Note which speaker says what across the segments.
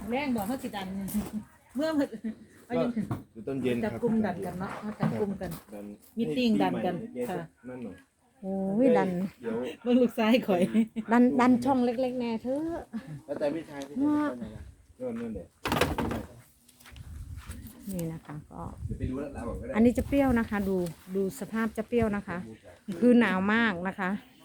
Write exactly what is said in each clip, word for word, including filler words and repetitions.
Speaker 1: แรงบอกเขาสิดันเมื่อมันเอายัง
Speaker 2: อยู่ต้นเย็น
Speaker 1: จับ
Speaker 2: ครับ
Speaker 1: กลุ่มดันกันเนาะมาจับกลุ่มกัน
Speaker 2: ดัน
Speaker 1: มีตติ้งดันกัน
Speaker 2: ให้ปีใหม่
Speaker 1: ค่ะ
Speaker 2: นั่นหน่อย
Speaker 3: โอ้ยดัน
Speaker 2: เดี๋ยว
Speaker 1: เบิ่งลูกซ้ายข่อย
Speaker 3: ดันดันช่องเล็กๆแน่เถอะ
Speaker 2: แล้วแต่พี่ชายพี่ชายไปไหนล่ะนั่นนั่นแหละ
Speaker 3: นี่นะคะก็
Speaker 2: เดี๋ยวไปดูแล้วเราบอกก็ได้
Speaker 3: อันนี้จะเปรี้ยวนะคะ ดูดูสภาพจะเปรี้ยวนะคะ คือหนาวมากนะคะ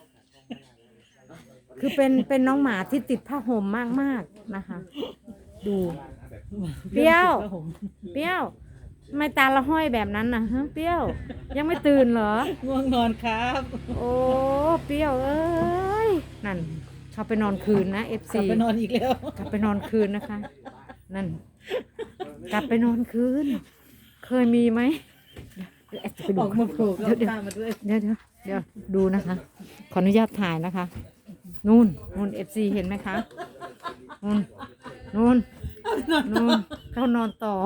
Speaker 3: คือเป็นเป็นน้องหมาที่ติดผ้าห่มมากๆนะคะ ดูเปรี้ยวเปรี้ยวทำไมตาละห้อยแบบนั้นนะฮะเปรี้ยว ยังไม่ตื่นเหรอ
Speaker 1: ง่วงนอนครับ
Speaker 3: โอ้เปรี้ยวเอ้ยนั่นเขาไปนอนคืนนะเอฟ
Speaker 1: กลับ
Speaker 3: ซี
Speaker 1: ไปนอนอีกแล้ว
Speaker 3: กลับไปนอนคืนนะคะ นั่น กลับไปนอนคืน เคยมีไหมเดี๋ยวแอดจะไป
Speaker 1: อ
Speaker 3: ดู
Speaker 1: อกมาผูก
Speaker 3: เดี๋ยวเดี๋ยว
Speaker 1: ตามมาด้วย
Speaker 3: เดี๋ยวเดี๋ยวเดี๋ยวดูนะคะ ขออนุญาตถ่ายนะคะ นู่นนู่นเอฟซีเห็นไหมคะนู่นนู่นนู่นเขานอนต่อ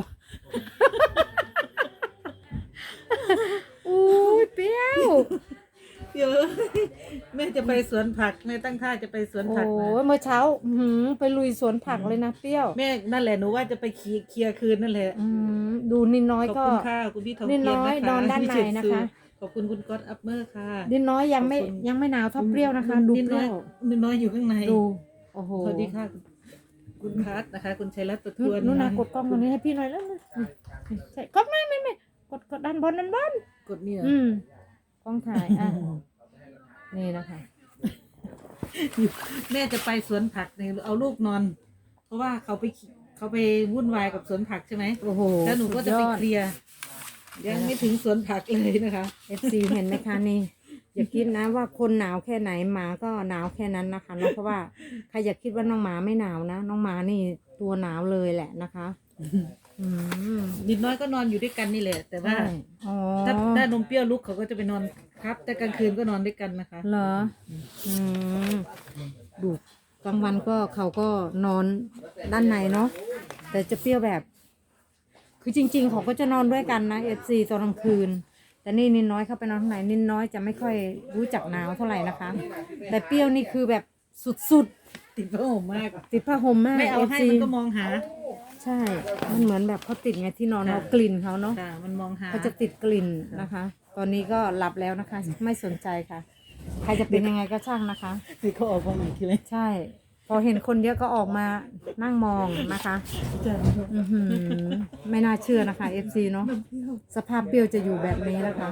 Speaker 3: อุ้ยเปรี้ยว
Speaker 1: เดี๋ยวแม่จะไปสวนผักแม่ตั้งท่าจะไปสวน
Speaker 3: โอ้
Speaker 1: ผัก
Speaker 3: ย
Speaker 1: นะ
Speaker 3: เมื่อเช้าอื้อหือไปลุยสวนผักเลยนะเปรี้ยว
Speaker 1: แม่นั่นแหละหนูว่าจะไปเคลียร์เคลียร์คืนนั่นแหละ
Speaker 3: อืมดูนิดน้อย
Speaker 1: ขอบ
Speaker 3: ก็
Speaker 1: คุณค่ะคุณพี่ทอง
Speaker 3: นิด
Speaker 1: เกีย
Speaker 3: น้
Speaker 1: ร
Speaker 3: อย
Speaker 1: นะคะ
Speaker 3: นอนด้านใน
Speaker 1: พี่เฉิด
Speaker 3: นะคะ
Speaker 1: ขอบคุณคุณก๊อตอัพเมอร์ค่ะ
Speaker 3: นิดน้อยยังไม่
Speaker 1: ขอบคุณ
Speaker 3: ยังไม่หนาวเท่าเปรี้ยวนะคะ ดู
Speaker 1: นิด
Speaker 3: เป
Speaker 1: น้อ
Speaker 3: รี้
Speaker 1: ย
Speaker 3: ยว
Speaker 1: นิดน้อยอยู่ข้างใน
Speaker 3: ดูโอ้โห
Speaker 1: สวัสดีค่ะ คุณพัทนะคะ คุณชัยรัตน์ประท
Speaker 3: นู่น
Speaker 1: วน
Speaker 3: นู่นนะกดกล้องตรงนี้ให้พี่หน่อยแล้วนะนี่ใช่กดไม่ไม่ไม่กดกดด้านบนด้านบน
Speaker 1: กดเนี่ย
Speaker 3: อืมกล้องถ่ายอ่ะนี่นะคะ
Speaker 1: แม่จะไปสวนผักเนี่ยเอาลูกนอน เพราะว่าเขาไปเขาไปวุ่นวายกับสวนผักใช่ไหม
Speaker 3: โอ้โห
Speaker 1: แล้วหนูก็จะไป
Speaker 3: สุดยอด
Speaker 1: เคลียร์ยังไม่ถึงสวนผักเลยนะคะ
Speaker 3: เอฟซีเห็นไหมคะนี่ อย่าคิดนะว่าคนหนาวแค่ไหนหมาก็หนาวแค่นั้นนะคะเนาะเพราะว่าใครอย่าคิดว่าน้องหมาไม่หนาวนะน้องหมานี่ตัวหนาวเลยแหละนะคะอืม
Speaker 1: นิดน้อยก็นอนอยู่ด้วยกันนี่แหละ แต่ว่า
Speaker 3: ใช่อ๋อ
Speaker 1: ถ้าถ้านมเปรี้ยวลุกเขาก็จะไปนอนครับ แต่กลางคืนก็นอนด้วยกันนะคะ
Speaker 3: เหรออืมดูกลางวันก็เขาก็นอนด้านในเนาะแต่จะเปรี้ยวแบบ คือจริง ๆ เขาก็จะนอนด้วยกันนะเอฟซีตอนกลางคืน แต่นี่นินน้อยเข้าไปนอนข้างในนินน้อยจะไม่ค่อยรู้จักหนาวเท่าไหร่นะคะ แต่เปรี้ยวนี่คือแบบสุด
Speaker 1: ติดผ้าห่มมาก
Speaker 3: ๆติดผ้าห่มมาก
Speaker 1: ไม่เอาให้
Speaker 3: เอฟซี
Speaker 1: มันก็มองหา
Speaker 3: ใช่ มันเหมือนแบบเขาติดไงที่นอน
Speaker 1: ค่ะ
Speaker 3: เรากลิ่นเขาเนาะ
Speaker 1: ค่ะมันมองหา
Speaker 3: เขาจะติดกลิ่นนะคะ ตอนนี้ก็หลับแล้วนะคะ ไม่สนใจค่ะ ใครจะเป็นยังไงก็ช่างนะคะ
Speaker 1: คือเขาออกมาอีกทีไหม
Speaker 3: ใช่ พอเห็นคนเยอะก็ออกมานั่งมองนะคะอื้อหือไม่น่าเชื่อนะคะ เอฟ ซี เนาะสภาพเปรี้ยวจะอยู่แบบนี้นะคะ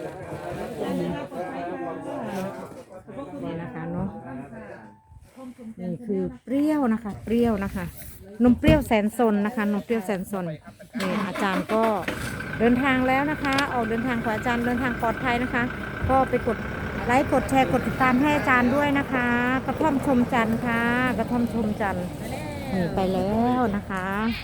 Speaker 3: นี่นะคะเนาะนี่คือเปรี้ยวนะคะ เปรี้ยวนะคะนมเปรี้ยวแสนสนนะคะนมเปรี้ยวแสนสนนี่อาจารย์ก็เดินทางแล้วนะคะ ออกเดินทางของอาจารย์เดินทางปลอดภัยนะคะ ก็ไปกดไลค์กดแชร์กดติดตามให้อาจารย์ด้วยนะคะ กระท่อมชมจันทร์ค่ะ กระท่อมชมจันทร์นี่ไปแล้วนะคะ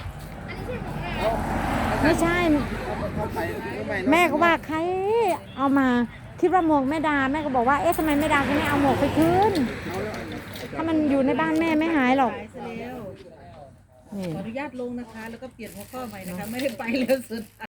Speaker 3: ไม่ใช่ แม่ก็ว่าใครเอามาคิดว่าหมวกแม่ดาแม่ก็บอกว่าเอ๊ะทำไมแม่ดาก็ไม่เอาหมวกไปคืนถ้ามันอยู่ในบ้านแม่ไม่หายหรอก
Speaker 1: ไปซะแล้ว
Speaker 3: นี่
Speaker 1: ขออนุญาตลงนะคะ แล้วก็เปลี่ยนหัวข้อใหม่นะคะ ไม่ได้ไปแล้วสุด